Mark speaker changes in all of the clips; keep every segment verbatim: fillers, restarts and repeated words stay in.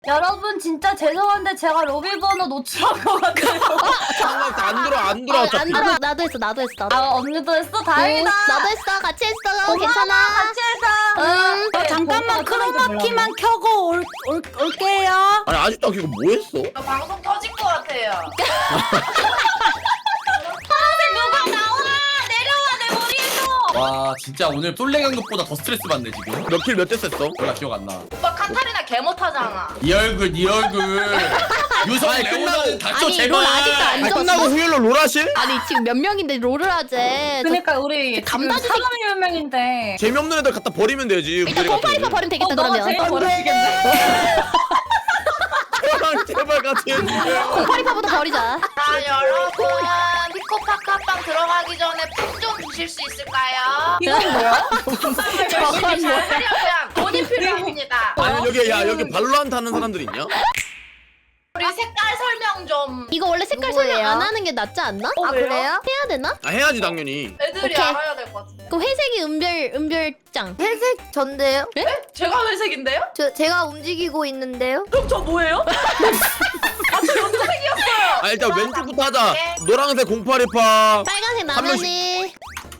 Speaker 1: 여러분 진짜 죄송한데 제가 로비 번호 노출한 것 같아요.
Speaker 2: 상관없어. 안 들어 안 들어.
Speaker 3: 안
Speaker 2: 어차피.
Speaker 3: 들어. 나도 했어. 나도 했어. 나도.
Speaker 1: 아 언니도 했어? 다행이다.
Speaker 3: 응, 나도 했어. 같이 했어.
Speaker 1: 고마워,
Speaker 3: 괜찮아.
Speaker 1: 같이 해서.
Speaker 3: 응.
Speaker 1: 네,
Speaker 4: 어, 잠깐만 크로마키만 켜고 올, 올, 올게요.
Speaker 2: 아니 아직도 안 켜고 뭐 했어?
Speaker 5: 저 방송 터진 것 같아요.
Speaker 1: 누가 나와! 내려와 내 머리에서!
Speaker 6: 와 진짜 오늘 솔랭 한 것보다 더 스트레스 받네 지금.
Speaker 2: 몇 킬 몇 대 셌어?
Speaker 6: 몰라 기억 안 나.
Speaker 5: 오빠 카타리나 개 못하잖아.
Speaker 6: 이 얼굴 이 얼굴. 유성
Speaker 2: 아니,
Speaker 6: 레오나는 닥쳐
Speaker 3: 아니,
Speaker 6: 제발.
Speaker 3: 롤 아직도 안
Speaker 2: 아니
Speaker 3: 졌어?
Speaker 2: 끝나고 후일로 롤하실?
Speaker 3: 아니 지금 몇 명인데 롤을 하재. 저-
Speaker 1: 그러니까 우리
Speaker 3: 감다지
Speaker 1: 지금 사람이 몇 명인데
Speaker 2: 재미없는 애들 갖다 버리면 되지.
Speaker 3: 일단
Speaker 2: 무대리 같은
Speaker 3: 콩파리파
Speaker 2: 애들.
Speaker 3: 버리면 되겠다
Speaker 1: 어, 너가
Speaker 3: 그러면.
Speaker 1: 제일 버리시겠네.
Speaker 2: 저랑 제발 같이 해주세요.
Speaker 3: 콩파리파부터 버리자.
Speaker 5: 자 여러분 피코파카빵 들어가기 전에 푹 좀 주실 수 있을까요?
Speaker 1: 이건 뭐야?
Speaker 3: 저건
Speaker 5: 열심히
Speaker 3: 뭐야?
Speaker 5: 잘 하려면 돈이 필요합니다.
Speaker 2: 아니 여기 야 여기 발로란트 하는 사람들 있냐?
Speaker 5: 우리 색깔 설명 좀.
Speaker 3: 이거 원래 색깔
Speaker 5: 누구예요?
Speaker 3: 설명 안 하는 게 낫지 않나?
Speaker 5: 어,
Speaker 3: 아
Speaker 5: 왜요?
Speaker 3: 그래요? 해야 되나?
Speaker 2: 아 해야지 당연히.
Speaker 5: 애들이
Speaker 3: 오케이.
Speaker 5: 알아야 될 것 같은데.
Speaker 3: 그 회색이 은별 은별장.
Speaker 7: 회색 전데요?
Speaker 5: 제가 회색인데요?
Speaker 7: 저 제가 움직이고 있는데요?
Speaker 5: 그럼 저 뭐예요?
Speaker 2: 아 일단 왼쪽부터 하자.
Speaker 5: 네.
Speaker 2: 노란색 공팔이파.
Speaker 3: 빨간색
Speaker 2: 한 명씩.
Speaker 3: 라면이.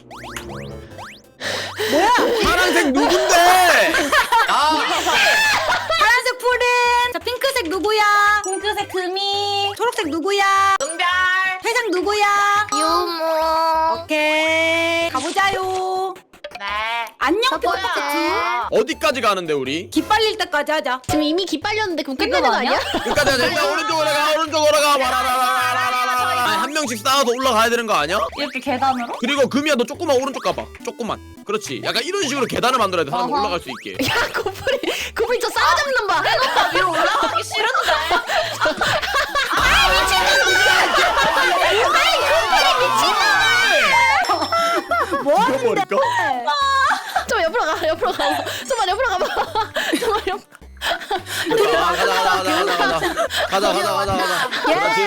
Speaker 2: 파란색 누군데?
Speaker 6: 아
Speaker 4: 파란색 푸른. 자 핑크색 누구야?
Speaker 1: 핑크색 금이.
Speaker 4: 초록색 누구야?
Speaker 5: 은별.
Speaker 4: 회색 누구야?
Speaker 7: 유모.
Speaker 4: 오케이 가보자요.
Speaker 5: 네.
Speaker 4: 안녕
Speaker 7: 첫 번째.
Speaker 4: 피코파카
Speaker 2: 어디까지 가는데 우리?
Speaker 4: 기 빨릴 때까지 하자.
Speaker 3: 지금 이미 기 빨렸는데 그럼 끝내는 거 아니야?
Speaker 2: 끝까지 하자. 일단 오른쪽으로 가 오른쪽으로 가. 와라라라라라라라. 아니 한 명씩 쌓아서 올라가야 되는 거 아니야?
Speaker 1: 이렇게 계단으로?
Speaker 2: 그리고 금이야 너 조금만 오른쪽 가봐. 조금만. 그렇지. 약간 이런 식으로 계단을 만들어야 돼. 사람
Speaker 1: 어허.
Speaker 2: 올라갈 수 있게.
Speaker 3: 야 고프리 고프리 저 싸워잡는 봐.
Speaker 5: 나 위로 올라가기 싫은데.
Speaker 4: 뭐
Speaker 2: 죽여버릴까?
Speaker 3: 좀 옆으로 가 옆으로 가. 좀만 옆으로 가봐. 좀만 옆.
Speaker 2: 아, 가자 가자 가자 가자 가자 가자 가자 가자. 그렇지.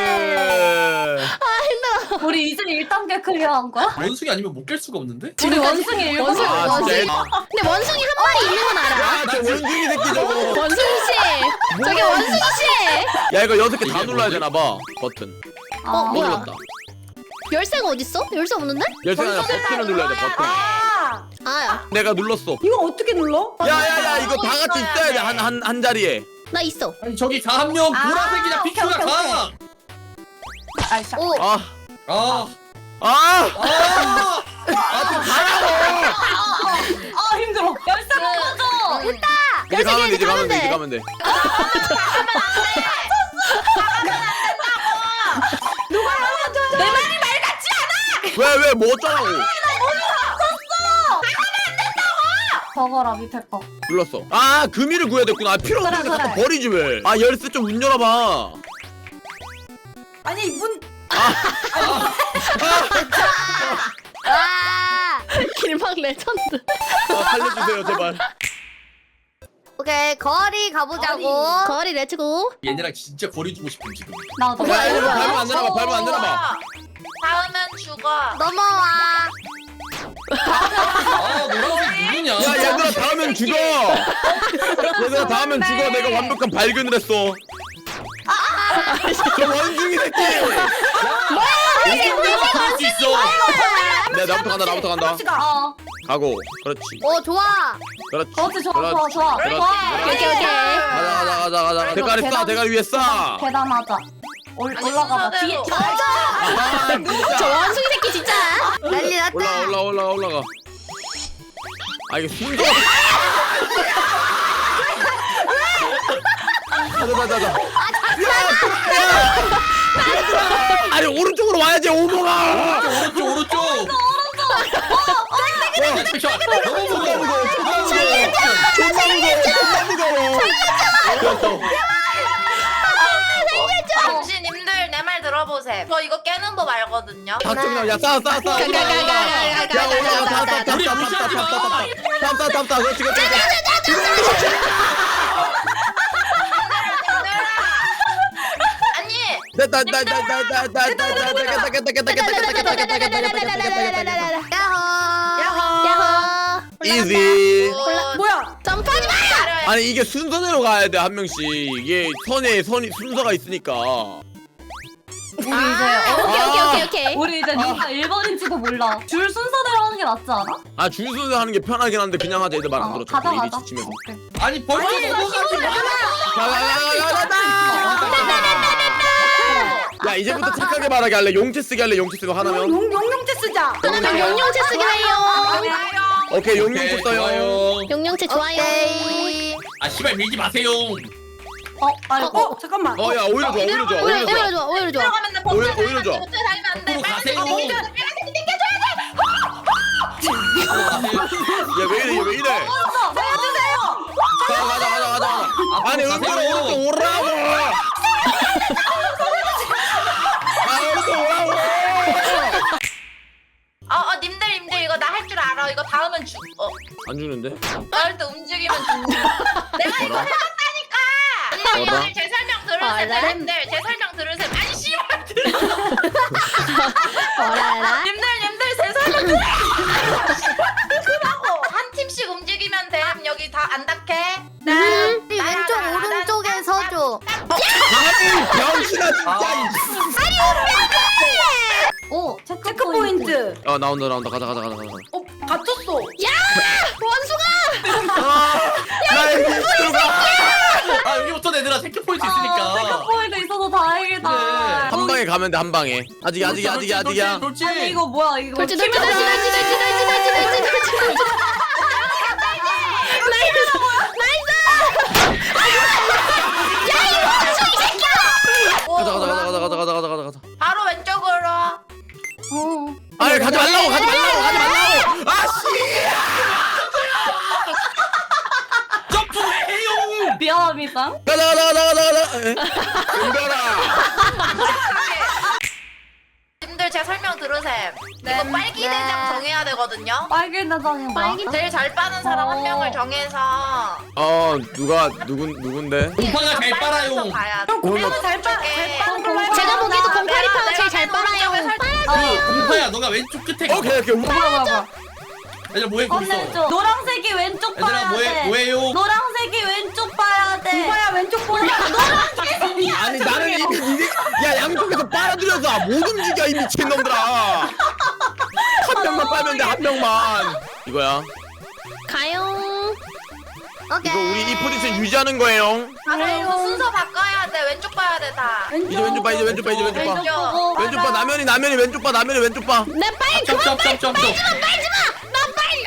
Speaker 1: 우리 이제 일 단계 클리어한 거야?
Speaker 6: 원숭이 아니면 못 깰 수가 없는데?
Speaker 1: 우리 원숭이 일곱
Speaker 3: 원숭이
Speaker 2: 아,
Speaker 3: 원숭이.
Speaker 2: 진짜?
Speaker 3: 근데 원숭이 한 마리 있는 건 알아.
Speaker 2: 야, 저 원숭이 새끼 저거.
Speaker 3: 원숭이 씨. 저기 원숭이 씨.
Speaker 2: 야, 이거 여섯 개 다 눌러야 되나 봐. 버튼.
Speaker 1: 아,
Speaker 3: 어,
Speaker 2: 못
Speaker 3: 뭐야?
Speaker 2: 눌렀다.
Speaker 3: 열쇠가 어딨어? 열쇠 없는데?
Speaker 2: 열쇠 아니라 버튼을 눌러야 돼. 버튼.
Speaker 4: 아
Speaker 3: 아,
Speaker 2: 내가 눌렀어.
Speaker 4: 이거 어떻게 눌러?
Speaker 2: 야야야, 이거 다 같이 있어야 돼. 한 한 한 자리에.
Speaker 3: 나 있어.
Speaker 6: 아니 저기 가 한 명 보라색이냐
Speaker 1: 오케이,
Speaker 6: 피크가
Speaker 1: 오케이,
Speaker 6: 가.
Speaker 1: 아이샤.
Speaker 7: 오.
Speaker 2: 아,
Speaker 6: 아.
Speaker 2: 아,
Speaker 6: 아. 아좀 가라고.
Speaker 1: 아 힘들어. 열쇠 못 꺼져.
Speaker 2: 이제 가면 돼. 이제 가면 돼.
Speaker 3: 돼.
Speaker 2: 이제 가면 돼.
Speaker 1: 내 말이 말 같지 않아.
Speaker 2: 왜 왜 뭐 어쩌라고?
Speaker 1: 저거라 밑에 거.
Speaker 2: 눌렀어. 아, 금이를 구해야 됐구나. 아, 필요 없는데
Speaker 1: 그래,
Speaker 2: 갖다
Speaker 1: 그래.
Speaker 2: 버리지 왜? 아, 열쇠 좀 문 열어봐.
Speaker 4: 아니 문
Speaker 7: 아.
Speaker 3: 길막 레전드.
Speaker 2: 아, 살려주세요, 제발.
Speaker 7: 오케이 거리 가보자고.
Speaker 3: 거리 렛츠고.
Speaker 6: 얘네랑 진짜 거리 두고 싶은 지금.
Speaker 1: 나도.
Speaker 2: 야, 이거
Speaker 3: 뭐야?
Speaker 2: 밟으면 안 되나 봐. 밟으면 안 되나 봐.
Speaker 5: 닿으면 죽어.
Speaker 7: 넘어와.
Speaker 6: 아 노란색 누구냐?
Speaker 2: 야, 얘들아 다음엔 죽어. 얘들아 다음엔 죽어. 내가 완벽한 발견을 했어. 저 원숭이 새끼.
Speaker 6: 할수 있어.
Speaker 2: 네, 나부터 간다. 나부터 간다.
Speaker 1: 어.
Speaker 2: 가고. 그렇지.
Speaker 7: 오 좋아.
Speaker 2: 그렇지.
Speaker 1: 그렇지 좋아 좋아
Speaker 2: 그렇지.
Speaker 1: 좋아.
Speaker 2: 그렇지.
Speaker 1: 좋아.
Speaker 2: 그렇지.
Speaker 3: 오케이 오케이.
Speaker 2: 가자 가자 가자 가자. 대가리 싸. 대가리 위에 싸.
Speaker 1: 계단하자. 올
Speaker 5: 아니,
Speaker 1: 올라가봐. 뒤에.
Speaker 5: 순서대로.
Speaker 2: 아,
Speaker 3: 저
Speaker 2: 진짜.
Speaker 3: 원숭이 새끼 진짜.
Speaker 7: 난리 났다.
Speaker 2: 올라 올라 올라 올라가. 아 이게 순서. 가자 가자 가자. 아니 오른쪽으로 와야지 오모가.
Speaker 6: 오른쪽 오른쪽. 오른쪽. 너무
Speaker 2: 존나
Speaker 6: 무거워.
Speaker 2: 무거워. 존나 무거워. 존나 무거워. 존나 무거워.
Speaker 5: 당신님들 내 말 들어보세요. 저 이거 깨는 법 알거든요.
Speaker 2: 박정남 야싸싸싸. 야 올라가. 탑, 탑, 탑,
Speaker 6: 우리
Speaker 2: 탑,
Speaker 6: 무시하지
Speaker 2: 탑, 탑,
Speaker 6: 마.
Speaker 2: 탑, 탑, 탑, 탑. 그렇지 그렇지.
Speaker 5: 아니
Speaker 2: 됐다 됐다 됐다 됐다 됐다 됐다 됐다 됐다
Speaker 7: 야호.
Speaker 3: 야호.
Speaker 2: 이지.
Speaker 5: 뭐,
Speaker 4: 뭐야?
Speaker 3: 점프하지 마.
Speaker 5: 기다려요.
Speaker 2: 아니 이게 순서대로 가야 돼 한 명씩. 이게 선에 선이 순서가 있으니까.
Speaker 1: 우리 이제
Speaker 3: 아,
Speaker 1: 어,
Speaker 3: 오케이 오케이 오케이 오케이.
Speaker 1: 우리 이제 누가 일 번인지도 몰라. 줄 순서대로 하는 게 낫지 않아?
Speaker 2: 아 줄 순서 하는 게 편하긴 한데 그냥 하자. 애들 말 안
Speaker 1: 어,
Speaker 2: 들었죠.
Speaker 1: 가자
Speaker 2: 일이
Speaker 1: 가자.
Speaker 2: 지치면서.
Speaker 1: 오케이.
Speaker 6: 아니 벌써 넘어가지 마.
Speaker 2: 야 이제부터 착하게 말하게 할래. 용체 쓰게 할래. 용체 쓰고 하나면.
Speaker 4: 용 용용체 쓰자.
Speaker 3: 하나면 용용체 쓰기로 해요.
Speaker 2: 오케이 용용체 써요.
Speaker 6: 좋아요.
Speaker 3: 용용체 좋아요.
Speaker 7: 오케이.
Speaker 6: 아 씨발 밀지 마세요.
Speaker 1: 어 아이고.
Speaker 4: 어 잠깐만.
Speaker 2: 어 야 오히려 좋아 오히려 좋아
Speaker 3: 오히려
Speaker 2: 오히려 좋아.
Speaker 3: 오히려 좋아 오히려 좋아.
Speaker 5: 들어가면 돼.
Speaker 2: 오히려 오히려 좋아.
Speaker 5: 버튼 달면 안 돼.
Speaker 6: 앞으로 가세요.
Speaker 2: 야 왜 이래 얘 왜 이래. 가자 가자 가자 가자. 아니
Speaker 6: 앞으로
Speaker 2: 은근히
Speaker 6: 가세요.
Speaker 2: 이렇게 오라고. 아 이렇게 오라고.
Speaker 5: 어, 어, 님들, 님들 이거 나 할 줄 알아. 이거 닿으면 죽. 어,
Speaker 2: 안 주는데?
Speaker 5: 닿을 때 움직이면 죽. 내가 이거 해봤다니까.
Speaker 2: 뭐라?
Speaker 5: 님들 제 설명 들으세요.
Speaker 3: 뭐라?
Speaker 5: 님들 제 설명 들으세요. 아니 씨발 들으세요.
Speaker 3: 뭐라라?
Speaker 5: 님들, 님들 제 설명 들으세요. 그러고 한 팀씩 움직이면 돼. 여기 다 안 닿게.
Speaker 7: 우리 왼쪽 오른쪽에 서줘.
Speaker 2: 아니 병신아 진짜.
Speaker 1: 오 체크,
Speaker 4: 체크 포인트.
Speaker 2: 아 나온다 나온다 가자 가자 가자 가자.
Speaker 4: 어 갇혔어.
Speaker 3: 원수가.
Speaker 2: 야 여기 들어가.
Speaker 6: 아 여기부터 얘들아 체크 포인트
Speaker 1: 체크
Speaker 6: 있으니까.
Speaker 1: 포인트 있어서 다행이다.
Speaker 6: 그래.
Speaker 2: 한 방에 가면 돼 한 방에. 아직 아직 아직 아직이야.
Speaker 6: 돌지.
Speaker 1: 아니 이거 뭐야 이거.
Speaker 3: 돌지 돌지 돌지 돌지 돌지 돌지 돌지 돌지 돌지.
Speaker 2: 가자 가자 가자 가자 가자 가자 가자 가자 가자.
Speaker 5: 바로 왼쪽으로.
Speaker 1: 어.
Speaker 2: 아니 가지 말라고 가지 말라고 가지 말라고. 아씨.
Speaker 6: 점프해요.
Speaker 1: 미안합니다.
Speaker 2: 가자 가자 가자 가자 가자. 은별아.
Speaker 5: 님들 제 설명 들으세요.
Speaker 1: 네.
Speaker 5: 이거 빨기
Speaker 7: 네.
Speaker 5: 대장 정해야 되거든요.
Speaker 1: 빨개 대장이 뭐야?
Speaker 3: 빨개
Speaker 5: 제일 잘 빠는 사람 한
Speaker 1: 어.
Speaker 5: 명을 정해서
Speaker 2: 어 누가 누군 누군데?
Speaker 6: 공파가 잘 빨아요.
Speaker 5: 가야 돼.
Speaker 4: 공파는 잘 빠.
Speaker 5: 왼쪽에.
Speaker 4: 잘 빠는 걸로 해봐.
Speaker 3: 제가 보기에도
Speaker 5: 내가-
Speaker 3: 공파리 파워
Speaker 5: 내가
Speaker 3: 제일 잘
Speaker 5: 맨 오른쪽에
Speaker 3: 빨아요.
Speaker 5: 살-
Speaker 6: 그 공파야 너가 왼쪽 끝에 가.
Speaker 2: 오케이 오케이.
Speaker 1: 뭐야 뭐야.
Speaker 6: 얘들아 뭐해 거기서.
Speaker 1: 건네줘. 노란색이 왼쪽
Speaker 6: 얘들아
Speaker 1: 봐야
Speaker 6: 뭐해
Speaker 1: 돼.
Speaker 6: 뭐해요.
Speaker 1: 노란색이 왼쪽 봐야 돼.
Speaker 4: 공파야 왼쪽 보라.
Speaker 2: 아니 나는 이미 이게 야 양쪽에서 빨아들여서 못 움직여 이 미친 놈들아. 한 명만 빨면 돼 한 명만. 이거야.
Speaker 3: 가요.
Speaker 7: 오케이.
Speaker 2: 이거 우리 이 포지션 유지하는 거예요.
Speaker 5: 아, 그럼 이거 순서 바꿔야 돼. 왼쪽 봐야 돼 다.
Speaker 2: 이제 왼쪽 봐 이제 왼쪽 봐 이제 왼쪽 봐.
Speaker 5: 왼쪽.
Speaker 1: 보고.
Speaker 2: 왼쪽 봐 나면이 나면이 왼쪽 봐 나면이 왼쪽 봐.
Speaker 3: 내 빨리 그만 빨리
Speaker 6: 점점점점.
Speaker 3: 빨지 마. 나 빨리.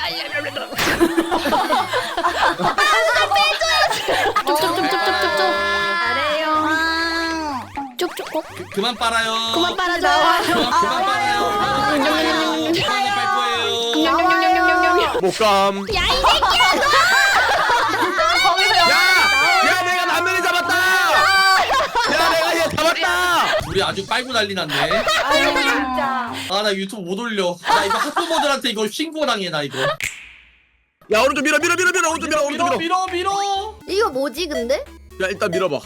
Speaker 3: 쪽쪽쪽쪽쪽쪽.
Speaker 4: 잘해요.
Speaker 3: 쪽쪽. 어?
Speaker 1: 아.
Speaker 6: 그만 빨아요.
Speaker 3: 그만 빨아줘.
Speaker 6: 그만 그만 빨아요.
Speaker 3: 냠냠냠냠냠.
Speaker 6: 그만 빨 거예요.
Speaker 3: 냠냠냠냠냠냠.
Speaker 2: 목감.
Speaker 3: 야 이 새끼야 너.
Speaker 1: 거기서
Speaker 2: 야! 야 내가 남면이 잡았다! 야 내가 얘 잡았다!
Speaker 6: 우리 아주 빨고 난리 났네.
Speaker 4: 아유 진짜.
Speaker 6: 아 나 유튜브 못 올려. 나 이거 학부모들한테 이거 신고당해 나 이거.
Speaker 2: 야 오른쪽 밀어 밀어 밀어 밀어 오른쪽 밀어 오른쪽 밀어.
Speaker 6: 밀어 밀어.
Speaker 7: 이거 뭐지 근데?
Speaker 2: 야 일단 밀어봐.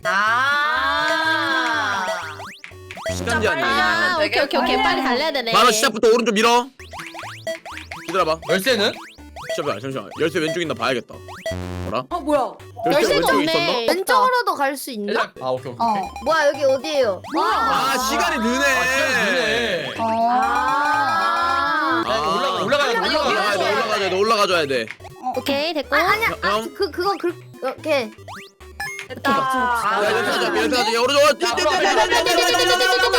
Speaker 5: 아.
Speaker 2: 시간 제한이.
Speaker 3: 아 오케이 오케이 오케이 빨리 달려야 되네.
Speaker 2: 바로 시작부터 오른쪽 밀어. 기다려봐.
Speaker 6: 열쇠는?
Speaker 2: 잠시만 잠시만. 열쇠 왼쪽에 있나 봐야겠다. 뭐라?
Speaker 4: 어 뭐야?
Speaker 3: 열쇠가
Speaker 2: 왼쪽에
Speaker 3: 없네.
Speaker 7: 왼쪽으로도 갈 수 있나?
Speaker 6: 얘들아, 아 오케이 오케이.
Speaker 1: 어.
Speaker 7: 뭐야 여기 어디예요?
Speaker 2: 아 시간이 느네.
Speaker 6: 아 시간 느네.
Speaker 1: 어.
Speaker 7: 아.
Speaker 6: 야, 이거 올라가 올라가야 돼
Speaker 2: 올라가야
Speaker 6: 올라가야
Speaker 2: 돼 올라가야 돼 올라가줘야 돼.
Speaker 3: 오케이 됐고.
Speaker 7: 아 아니야. 아,
Speaker 2: 형?
Speaker 7: 그 그거 그렇게.
Speaker 4: 됐다.
Speaker 2: 야 열쇠 가자 열쇠 가자. 야 오른쪽. 뛰, 뛰, 뛰, 뛰, 뛰, 뛰, 뛰, 뛰, 뛰, 뛰,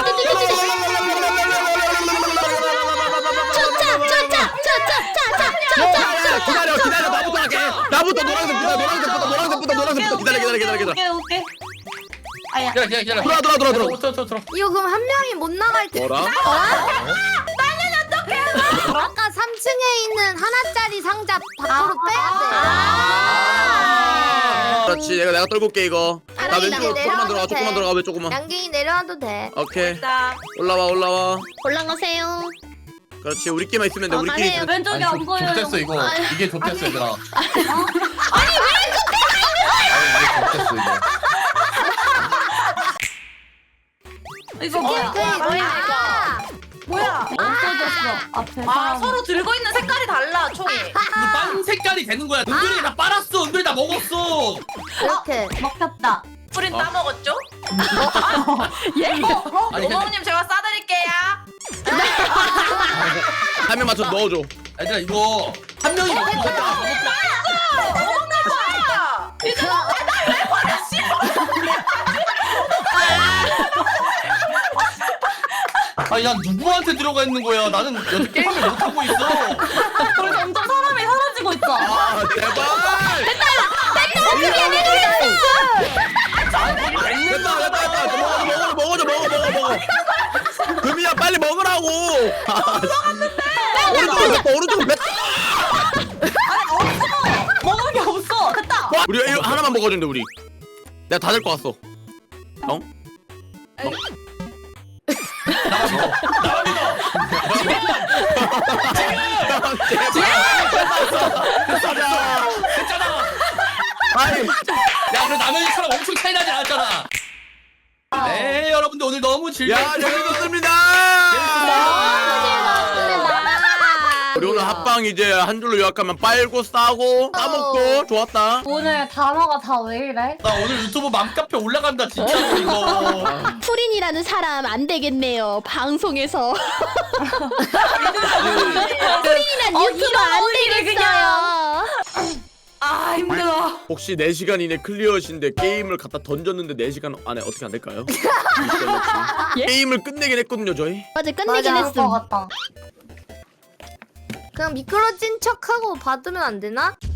Speaker 2: 야, 기다려 기다려 나부터 할게. 나부터 노란색부터 노란색부터 노란색부터 노란색부터 기다려 기다려 기다려 기다려.
Speaker 1: 오케이 오케이. 아야.
Speaker 6: 기다려 기다려 기다려.
Speaker 2: 들어와 들어와 들어와 들어와.
Speaker 6: 들어 들어 들어.
Speaker 7: 이거 그럼 한 명이 못 나갈 때.
Speaker 2: 뭐라?
Speaker 7: 아까 삼 층에 있는 하나짜리 상자 밖으로 빼야 돼.
Speaker 3: 아.
Speaker 2: 그렇지 내가 내가 떨고 올게 이거. 나
Speaker 7: 알았어,
Speaker 2: 왼쪽으로 조금만
Speaker 7: 내려와도
Speaker 2: 들어가 조금만
Speaker 7: 돼.
Speaker 2: 들어가 왜 조금만.
Speaker 7: 양갱이 내려와도 돼.
Speaker 2: 오케이
Speaker 5: 자,
Speaker 2: 올라와 올라와.
Speaker 3: 올라가세요.
Speaker 2: 그렇지 우리끼리만 있으면 돼
Speaker 3: 어,
Speaker 2: 우리끼리.
Speaker 3: 가세요.
Speaker 2: 있으면-
Speaker 1: 왼쪽이 안 보여요.
Speaker 6: 좋댔어 이거. 이게 좋댔어 얘들아.
Speaker 3: 아니 왜
Speaker 6: 이게 좋댔어 이거.
Speaker 1: 이거 뭐야?
Speaker 7: 오케이,
Speaker 5: 뭐야,
Speaker 7: 아,
Speaker 4: 뭐야?
Speaker 1: 없어졌어. 앞에
Speaker 5: 아
Speaker 1: 사람.
Speaker 5: 서로 들고 있는 색깔이 달라 총이.
Speaker 6: 빵 색깔이 되는 거야. 은별이 다 빨았어. 은별이 다 먹었어.
Speaker 7: 이렇게.
Speaker 1: 먹혔다.
Speaker 5: 뿌린
Speaker 2: 어.
Speaker 5: 따먹었죠?
Speaker 3: 예?
Speaker 6: 아니 근데
Speaker 5: 어머님 제가 싸드릴게요.
Speaker 2: 한 명 맞춰 넣어줘.
Speaker 6: 얘들아 이거 한 명이 먹고 갔다. 아니 난 누구한테 들어가 있는 거야? 나는 여태 게임을 못 하고 있어.
Speaker 1: 우리 점점 사람이 사라지고 있어.
Speaker 2: 아 제발. 됐다 됐다 됐다. 먹어줘 먹어줘 먹어줘 먹어 먹어 먹어. 금이야 빨리 먹으라고. 오른쪽으로 뱉어 오른쪽으로 뱉어.
Speaker 1: 먹을 게 없어. 됐다.
Speaker 2: 우리 이거 하나만 먹어준대 우리. 내가 다 될 거 같어. 어?
Speaker 6: 나만 믿어. 나만 믿어.
Speaker 2: 가자.
Speaker 6: 됐잖아.
Speaker 2: 아니.
Speaker 6: 야 그래 나는 사람 엄청 차이 나지 않았잖아. 네 여러분들 오늘 너무 즐거웠.
Speaker 2: 야 재밌었습니다. 우리 오늘 합방 이제 한 줄로 요약하면 빨고 싸고 까먹고 좋았다.
Speaker 1: 오늘 단어가 다 왜 이래?
Speaker 6: 나 오늘 유튜브 맘카페 올라간다 진짜로 이거.
Speaker 3: 푸린이라는 사람 안 되겠네요. 방송에서. 푸린이란
Speaker 1: 어,
Speaker 3: 유튜버
Speaker 1: 이런
Speaker 3: 안
Speaker 1: 오히려
Speaker 3: 되겠어요.
Speaker 1: 아 힘들어.
Speaker 2: 혹시 네 시간 이내 클리어신데 게임을 갖다 던졌는데 네 시간 안에 어떻게 안 될까요?
Speaker 3: 예?
Speaker 2: 게임을 끝내긴 했거든요 저희.
Speaker 3: 맞아 끝내긴
Speaker 7: 맞아.
Speaker 3: 했음.
Speaker 1: 것 같다.
Speaker 7: 그냥 미끄러진 척하고 받으면 안 되나?